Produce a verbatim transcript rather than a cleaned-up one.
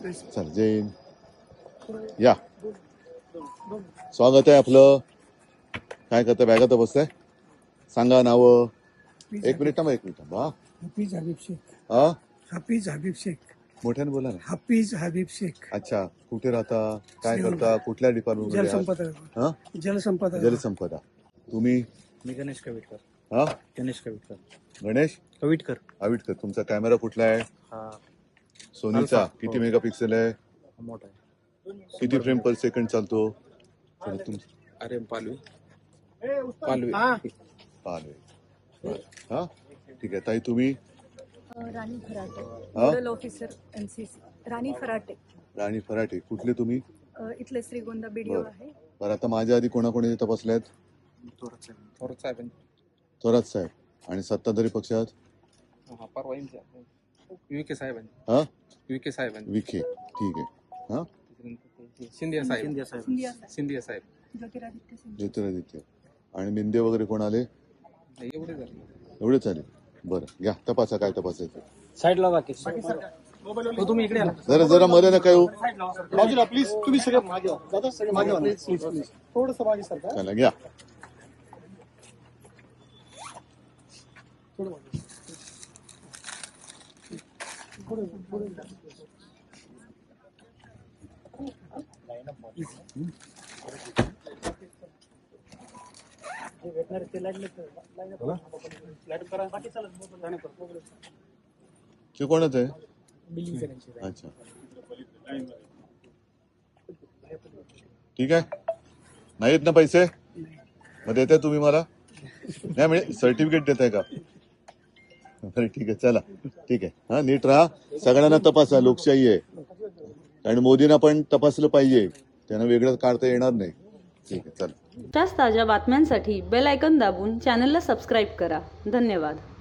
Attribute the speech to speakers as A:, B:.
A: चल जैन या स्वागत आहे आपलं. काय करतं? बॅगात बसताय? सांगा नाव. एक मिनिट थांबा, एक मिनिट थांबा.
B: हाफिज हबीब शेख.
A: हा
B: हाफिज हबीब शेख.
A: मोठ्याने बोला ना.
B: हाफिज हबीब शेख.
A: अच्छा, कुठे राहता? काय करता? कुठल्या डिपार्टमेंट मध्ये?
B: जलसंपदा.
A: हा
B: जलसंपदा.
A: जलसंपदा. तुम्ही?
C: मी गणेश कविटकर.
A: हा
C: गणेश कविटकर.
A: गणेश
C: कविटकर.
A: आविटकर. तुमचा कॅमेरा कुठला आहे?
C: हा
A: सोनीचा.
C: अल्फा.
A: किती
C: हो.
A: मेगापिक्सेल आहे?
C: मोठा आहे.
A: किती फ्रेम पर सेकंड चालतो? चला तुम
C: अरे पालवी पालवी
A: पाहले. हा ठीक आहे ताई. तुम्ही?
D: राणी फराटे,
A: हा?
D: Nodal officer NCC. Rani Farate.
A: Rani Farate. कुठले तुम्ही?
D: अ, इथले श्रीगोंदा बीडीओ
A: बरं.
D: आहे.
A: बरं, आता माझ्या आधी कोणाकोणी तपासल्यात?
C: थोरात साहेब. थोरात साहेब.
A: थोरात साहेब. आणि सत्ताधारी पक्षात?
C: हा परवा विखे साहेब.
A: हा
C: विखे साहेब.
A: विखे. ठीक आहे. हा
C: सिंधिया साहेब.
D: सिंधिया साहेब.
C: सिंधिया साहेब.
D: ज्योतिरादित्य सिंधिया.
A: ज्योतिरादित्य. आणि मिंदे वगैरे कोण आले?
C: एवढे झाले.
A: एवढेच आले. बरं घ्या तपासा काय तपासायचं.
C: साईडला बाकी तुम्ही इकडे
A: जरा जरा मध्ये नका येऊ.
B: बाजूला प्लीज. तुम्ही सगळे मागे व्हा. दादा सगळे मागे व्हा. Please please please. थोडंसं मागे सरका.
A: चला घ्या.
B: थोडं मागे. थोडं थोडं.
A: ते कोणच आहे? अच्छा ठीक आहे. नाहीत ना पैसे? मग देताय तुम्ही मला? नाही म्हणजे सर्टिफिकेट देताय का? बरं ठीक आहे. चला ठीक आहे. हा नीट राहा. सगळ्यांना तपासा. लोकशाही आहे. आणि मोदींना पण तपासलं पाहिजे. त्यांना वेगळं काढता येणार नाही. ठीक आहे. चला.
E: ताज्या बातम्यांसाठी बेल आयकॉन दाबून चॅनलला सबस्क्राईब करा. धन्यवाद.